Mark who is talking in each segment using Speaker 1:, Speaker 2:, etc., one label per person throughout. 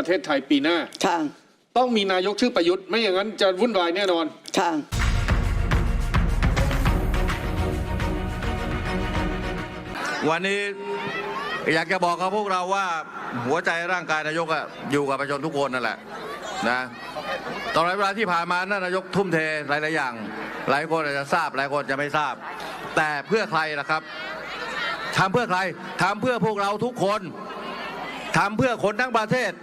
Speaker 1: ประเทศไทยปีหน้า
Speaker 2: ค่ะ
Speaker 1: ต้องมีนายกชื่อประยุทธ์ไม่อย่างนั้นจะวุ่นวายแน่นอน
Speaker 2: ค่ะ
Speaker 3: วันนี้อยากจะบอกกับพวกเราว่าหัวใจร่างกายนายกอยู่กับประชาชนทุกคนนั่นแหละนะตลอดเวลาที่ผ่านมานั่นนายกทุ่มเทหลายๆอย่างหลายคนอาจจะทราบหลายคนจะไม่ทราบแต่เพื่อใครล่ะครับทำเพื่อใครทำเพื่อพวกเราทุกคนทำเพื่อคนทั้งประเทศ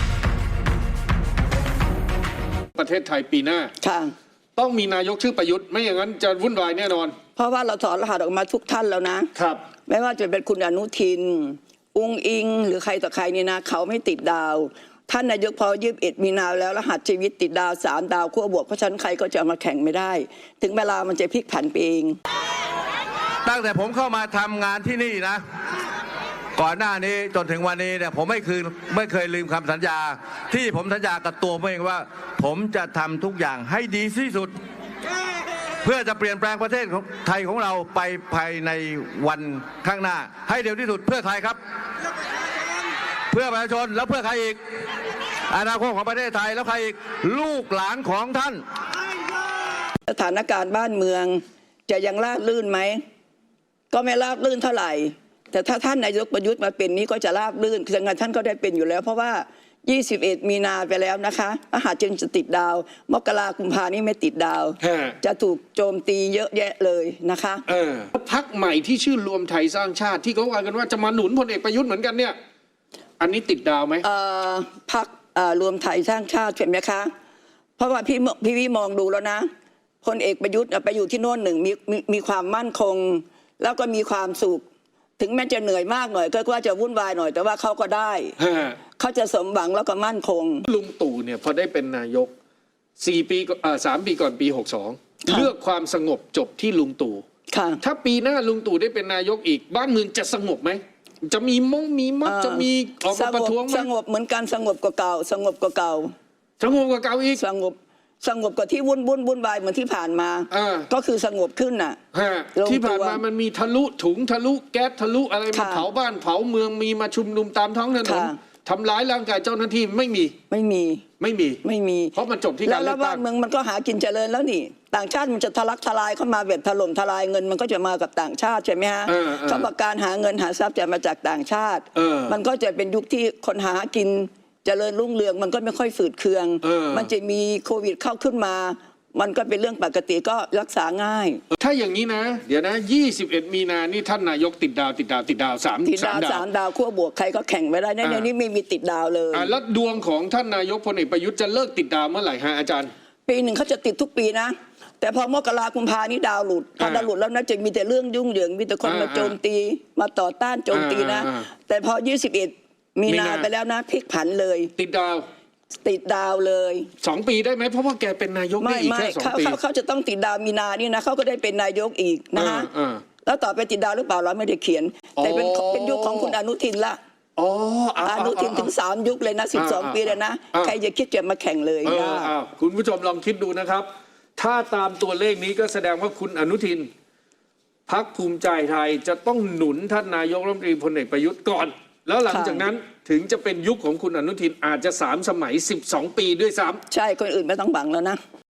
Speaker 1: ประเทศไทยปีหน้า
Speaker 2: ค่ะ
Speaker 1: ต้องมีนายกชื่อประยุทธ์ไม่อย่างนั้นจะวุ่นวายแน่นอน
Speaker 2: เพราะว่าเราถอดรหัสออกมาทุกท่านแล้วนะครับไม่ว่าจะเป็นคุณอนุทินอุ้งอิงหรือใครต่อใครนี่นะเขาไม่ติดดาวท่านนายกพอ21 มีนาแล้วรหัสชีวิตติดดาว3 ดาวขั้วบวกเพราะฉะนั้นใครก็จะมาแข่งไม่ได้ถึงเวลามันจะพลิกผันไปเอง
Speaker 3: ตั้งแต่ผมเข้ามาทำงานที่นี่นะก่อนหน้านี้จนถึงวันนี้เนี่ยผมไม่เคยลืมคำสัญญาที่ผมสัญญากับตัวผมเองว่าผมจะทำทุกอย่างให้ดีที่สุดเพื่อจะเปลี่ยนแปลงประเทศไทยของเราไปภายในวันข้างหน้าให้เร็วที่สุดเพื่อใครครับเพื่อประชาชนแล้วเพื่อใครอีกอนาคตของประเทศไทยแล้วใครอีกลูกหลานของท่าน
Speaker 2: สถานการณ์บ้านเมืองจะยังราบรื่นไหมก็ไม่ราบรื่นเท่าไหร่แต่ถ้าท่านนายกประยุทธ์มาเป็นนี้ก็จะราบรื่นคือท่านก็ได้เป็นอยู่แล้วเพราะว่า21 มีนาไปแล้วนะคะรหัสจึงจะติดดาวมกราคมกุมภานี่ไม่ติดดาวจะถูกโจมตีเยอะแยะเลยนะคะ
Speaker 1: พรรคใหม่ที่ชื่อรวมไทยสร้างชาติที่เขาว่ากันว่าจะมาหนุนพลเอกประยุทธ์เหมือนกันเนี่ยอันนี้ติดดาวไหม
Speaker 2: พรรครวมไทยสร้างชาติใช่ไหมคะเพราะว่าพี่มองดูแล้วนะพลเอกประยุทธ์ไปอยู่ที่โน่นหนึ่งมีความมั่นคงแล้วก็มีความสุขถึงแม้จะเหนื่อยมากหน่อยก็ว่าจะวุ่นวายหน่อยแต่ว่าเขาก็ได้เขาจะสมหวังแล้วก็มั่นคง
Speaker 1: ลุงตู่เนี่ยพอได้เป็นนายก3 ปีก่อนปี62เลือกความสงบจบที่ลุงตู่ถ้าปีหน้าลุงตู่ได้เป็นนายกอีกบ้านเมืองจะสงบไหมจะมีมัดจะมีออกมาประท้วงไหม
Speaker 2: สงบเหมือนกันสงบกว่าเก่าสงบกว่าเก่า
Speaker 1: อีก
Speaker 2: สงบกว่าที่วุ่นวายเหมือนที่ผ่านมาก็คือสงบขึ้นน่ะ
Speaker 1: ที่ผ่านมามันมีทะลุถุงทะลุแก๊สทะลุอะไรมาเผาบ้านเผาเมืองมีมาชุมนุมตามท้องถนนทำร้ายร่างกายเจ้าหน้าที่ไม่มีเพราะมันจบที่การเลือกตั้ง
Speaker 2: แล้วบ้านเมืองมันก็หากินเจริญแล้วนี่ต่างชาติมันจะทะลักทลายเข้ามาแบบถล่มทลายเงินมันก็จะมากับต่างชาติใช่ไหมฮะเขาบอกการหาเงินหาทรัพย์จะมาจากต่างชาติมันก็จะเป็นยุคที่คนหากินเจริญรุ่งเรืองมันก็ไม่ค่อยฝืดเคืองมันจะมีโควิดเข้าขึ้นมามันก็เป็นเรื่องปกติก็รักษาง่าย
Speaker 1: ถ้าอย่างนี้นะเดี๋ยวนะ21 มีนานี่ท่านนายกติดดาว3 ดาว
Speaker 2: ขั้วบวกใครก็แข่งไม่ได้ในนี้ไม่มีติดดาวเลย
Speaker 1: แล้วดวงของท่านนายกพลเอกประยุทธ์จะเลิกติดดาวเมื่อไหร่ฮะอาจารย์
Speaker 2: ปีหนึ่งเขาจะติดทุกปีนะแต่พอมกราคมกุมภานี่ดาวหลุดพอดาวหลุดแล้วนะจะมีแต่เรื่องยุ่งเหยิงมีแต่คนมาโจมตีมาต่อต้านโจมตีนะแต่พอ21 มีนาไปแล้วนะพลิกผันเลย
Speaker 1: ติดดาว
Speaker 2: เลย
Speaker 1: 2 ปีได้ไหมเพราะว่าแกเป็นนายกได้อีกแค่2 ปี
Speaker 2: เขาจะต้องติดดาวมีนานี่นะเขาก็ได้เป็นนายกอีกนะฮะแล้วต่อไปติดดาวหรือเปล่าเราไม่ได้เขียนแต่เป็นยุคของคุณอนุทินละอนุทินถึง3 ยุคเลยนะ12 ปีเลยนะใครจะคิดจะมาแข่งเลย
Speaker 1: คุณผู้ชมลองคิดดูนะครับถ้าตามตัวเลขนี้ก็แสดงว่าคุณอนุทินพรรคภูมิใจไทยจะต้องหนุนท่านนายกรัฐมนตรีพลเอกประยุทธ์ก่อนแล้วหลังจากนั้นถึงจะเป็นยุคของคุณอนุทินอาจจะ3 สมัย12 ปีด้วยซ้ำ
Speaker 2: ใช่คนอื่นไม่ต้องหวังแล้วนะ